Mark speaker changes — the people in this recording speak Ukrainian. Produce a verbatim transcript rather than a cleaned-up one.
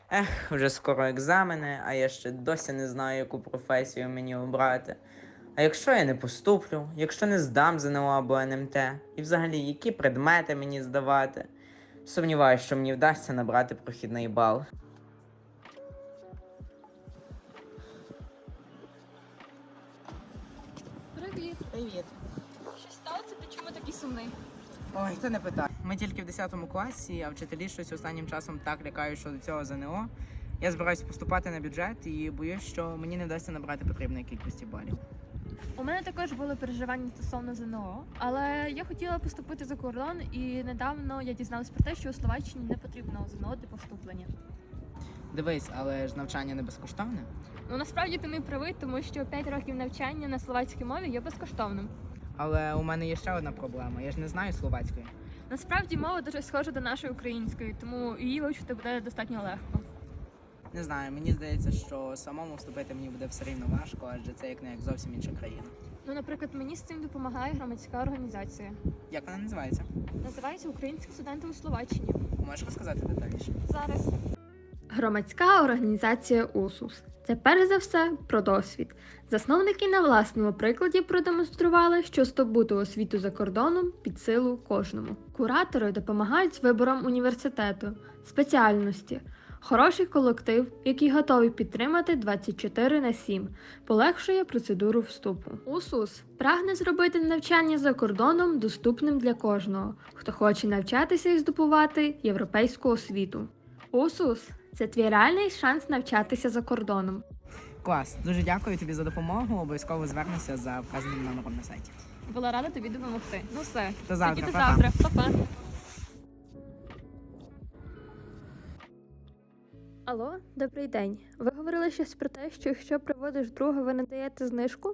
Speaker 1: Ех, вже скоро екзамени, а я ще досі не знаю, яку професію мені обрати. А якщо я не поступлю, якщо не здам ЗНО або ен ем те, і взагалі які предмети мені здавати? Сумніваюсь, що мені вдасться набрати прохідний бал.
Speaker 2: Привіт.
Speaker 1: Привіт.
Speaker 2: Що сталося? Ти чому такий сумний?
Speaker 1: Ой, це не питай. Ми тільки в десятому класі, а вчителі щось останнім часом так лякають щодо цього ЗНО. Я збираюся поступати на бюджет і боюсь, що мені не вдасться набрати потрібної кількості балів.
Speaker 2: У мене також були переживання стосовно ЗНО, але я хотіла поступити за кордон, і недавно я дізналась про те, що у Словаччині не потрібно ЗНО для поступлення.
Speaker 1: Дивись, але ж навчання не безкоштовне.
Speaker 2: Ну насправді ти не правий, тому що п'ять років навчання на словацькій мові є безкоштовним.
Speaker 1: Але у мене є ще одна проблема. Я ж не знаю словацької.
Speaker 2: Насправді мова дуже схожа до нашої української, тому її вивчити буде достатньо легко.
Speaker 1: Не знаю, мені здається, що самому вступити мені буде все рівно важко, адже це як не як зовсім інша країна.
Speaker 2: Ну, наприклад, мені з цим допомагає громадська організація.
Speaker 1: Як вона називається?
Speaker 2: Називається Українські студенти у Словаччині.
Speaker 1: Можеш розказати детальніше?
Speaker 2: Зараз.
Speaker 3: Громадська організація УСУС – це перш за все про досвід. Засновники на власному прикладі продемонстрували, що здобути освіту за кордоном під силу кожному. Куратори допомагають з вибором університету, спеціальності, хороший колектив, який готовий підтримати двадцять чотири на сім, полегшує процедуру вступу. УСУС прагне зробити навчання за кордоном доступним для кожного, хто хоче навчатися і здобувати європейську освіту. УСУС – це твій реальний шанс навчатися за кордоном.
Speaker 1: Клас, дуже дякую тобі за допомогу. Обов'язково звернуся за вказаним номером на сайті.
Speaker 2: Була рада тобі допомогти. Ну все,
Speaker 1: До завтра,
Speaker 2: тоді до
Speaker 1: па-па.
Speaker 2: завтра. Па-па.
Speaker 3: Алло, добрий день. Ви говорили щось про те, що якщо приводиш друга, ви не даєте знижку?